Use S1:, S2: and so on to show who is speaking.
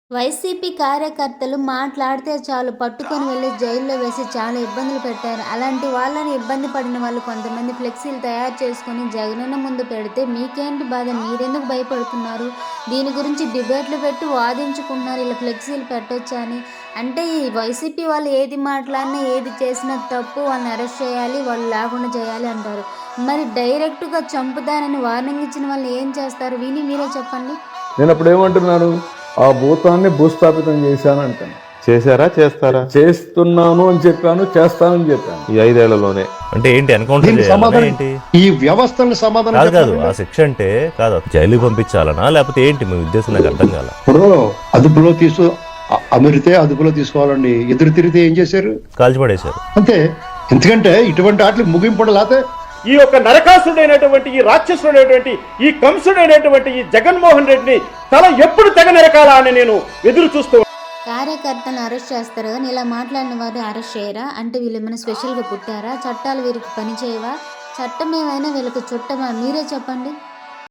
S1: YCP కార్యకర్తలు మాట్లాడితే చాలు పట్టుకొని వెళ్లి జైల్లో వేసి చాలా ఇబ్బందులు పెట్టారు. అలాంటి వాళ్ళని ఇబ్బంది పడిన వాళ్ళు కొంతమంది ఫ్లెక్సీలు తయారు చేసుకొని జగనన్న ముందు పెడితే మీకేంటి బాధ? మీరెందుకు భయపడుతున్నారు? దీని గురించి డిబేట్లు పెట్టి వాదించుకుంటున్నారు. ఇలా ఫ్లెక్సీలు పెట్టొచ్చా అని. అంటే ఈ వైసీపీ వాళ్ళు ఏది మాట్లాడినా ఏది చేసినా తప్పు, వాళ్ళని అరెస్ట్ చేయాలి, వాళ్ళు లేకుండా చేయాలి అంటారు. మరి డైరెక్ట్గా చంపుతానని వార్నింగ్ ఇచ్చిన వాళ్ళు ఏం చేస్తారు? విని మీరే చెప్పండి.
S2: నేను అప్పుడు ఏమంటున్నాను, ఆ భూతాన్ని భూస్థాపితం చేశాను అంటాను.
S3: చేశారా చేస్తారా?
S2: చేస్తున్నాను అని చెప్పాను, చేస్తానని చెప్పాను
S3: ఈ 5 ఏళ్లలోనే. అంటే ఏంటి ఎన్కౌంటర్
S4: దీనికి
S3: చేయాలనా
S4: సమాధానం
S3: ఏంటి?
S4: ఈ వ్యవస్థను సమాధానం
S3: కాదు కాదు,
S4: చెప్పండి.
S3: ఆ శిక్ష అంటే కాదు, జైలుకి పంపించాలనా లేకపోతే ఏంటి మీ ఉద్దేశం? నాకు అర్థం కాల.
S4: ఇప్పుడు అదుపులో అమిరితే అదుపులో తీసుకోవాలండి. ఎదురు తిరిగితే ఏం చేశారు?
S3: కాల్చిపడేశారు
S4: అంతే. ఎందుకంటే ఇటువంటి వాటికి ముగింపు లేకపోతే
S5: ఈ యొక్క నరకాసుడైనటువంటి, ఈ రాక్షసుడైనటువంటి, ఈ కంసుడైనటువంటి ఈ జగన్మోహన్ రెడ్డిని తల ఎప్పుడు తెగ నరకాలా అని నేను ఎదురు చూస్తూ.
S1: కార్యకర్తలను అరెస్ట్ చేస్తారు కానీ ఇలా మాట్లాడిన వారిని అరెస్ట్ చేయరా? అంటే వీళ్ళు ఏమైనా స్పెషల్గా పుట్టారా? చట్టాలు వీరికి పనిచేయవా? చట్టం ఏమైనా వీళ్ళకి చుట్టమా? మీరే చెప్పండి.